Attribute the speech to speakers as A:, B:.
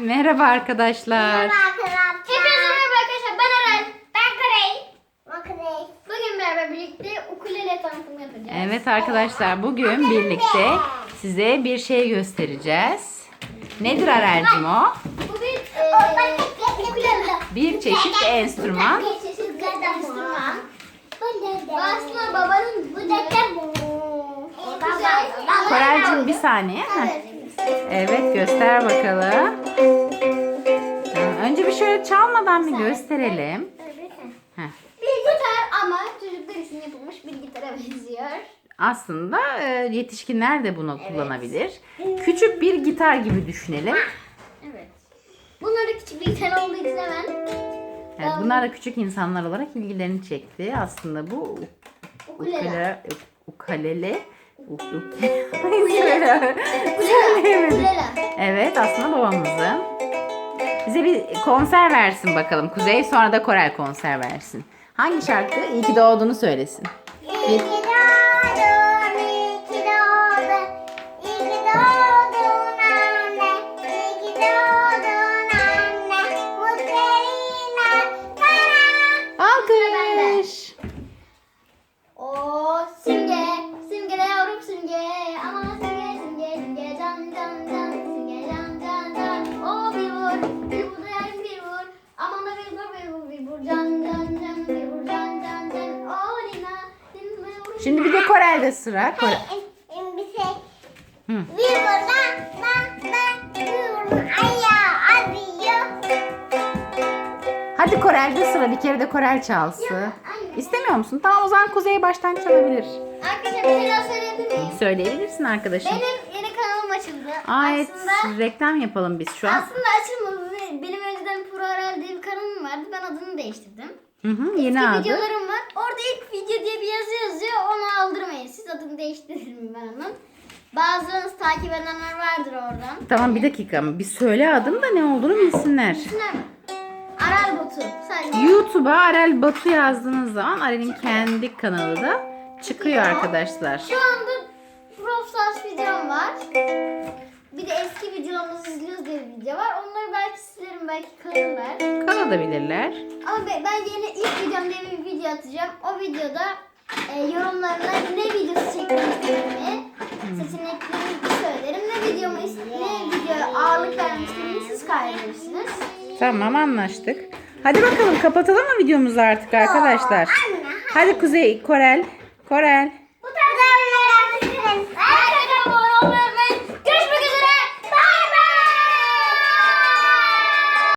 A: Merhaba arkadaşlar.
B: Merhaba arkadaşlar. Hepinize merhaba arkadaşlar. Ben Eren. Ben Karey. Bugün beraber birlikte ukulele tanıtımı yapacağız.
A: Evet arkadaşlar, bugün birlikte size bir şey göstereceğiz. Nedir Arel'cim o?
B: Bu bir ukulele.
A: Bir çeşit enstrüman.
B: Bir çeşit enstrüman. Aslında babanın bu da
A: Korel'cim bir saniye. Evet, göster bakalım. Önce bir şöyle çalmadan bir gösterelim. Heh.
B: Bir gitar ama çocuklar için yapılmış bir gitara benziyor.
A: Aslında yetişkinler de bunu kullanabilir. Küçük bir gitar gibi düşünelim.
B: Evet. Bunlar da küçük bir gitar olduğu için hemen.
A: Evet, bunlar da küçük insanlar olarak ilgilerini çekti. Aslında bu ukulele. Evet, aslında babamızın. Bize bir konser versin bakalım. Kuzey, sonra da Korel konser versin. Hangi şarkı? İyi ki doğduğunu söylesin.
B: İyi ki doğdun, iyi ki doğdun. İyi ki doğdun anne. İyi ki doğdun anne. Mutlu'yla sana.
A: Alkış.
B: O Simge, Simge de yavrum Simge. Aman Simge, Simge, Simge can can can. Simge can can can. O bir vur, bir vur da yarım bir vur. Aman da bir vur, bir vur, bir vur can can can. Bir vur can can can. O Lina, Lina vur.
A: Şimdi bir de Korel'de sıra. Korel.
B: Bir şey.
A: Hı.
B: Bir vur bir vur ayağı arıyor.
A: Hadi Korel'de sıra. Bir kere de Korel çalsın. İstemiyor musun? Tamam, o zaman Kuzey baştan çalabilir.
B: Arkadaşlar bir şey daha söyleyebilir miyim?
A: Söyleyebilirsin arkadaşım.
B: Benim yeni kanalım açıldı.
A: Aa, evet,
B: Aslında
A: reklam yapalım biz şu an.
B: açılmadı. Benim önceden Pro Aral diye bir kanalım vardı. Ben adını değiştirdim.
A: Yeni
B: Eski
A: adı.
B: videolarım var. Orada ilk video diye bir yazı yazıyor. Onu aldırmayın. Siz adını değiştirin ben onun. Bazılarınız takip edenler vardır oradan.
A: Tamam, bir dakika. Bir söyle adını da ne olduğunu bilsinler.
B: Düşünler mi? Aral Botu. Sadece.
A: YouTube'a Arel Batu yazdığınız zaman Arel'in kendi kanalı da çıkıyor arkadaşlar.
B: Şu anda Brawl Stars videom var. Bir de eski videolarımızı izliyoruz diye bir video var. Onları belki silerim, belki kalırlar.
A: Kalabilirler.
B: Ama ben yeni ilk videom diye bir video atacağım. O videoda yorumlarına ne videosu çekmek istediğimi, seçeneklerimi söylerim. Ne video ağırlık vermek istediğimi siz karar verirsiniz.
A: Tamam, anlaştık. Hadi bakalım, kapatalım mı videomuzu artık arkadaşlar? Hadi Kuzey, Korel.
B: Bu tarz videoları abone olmayı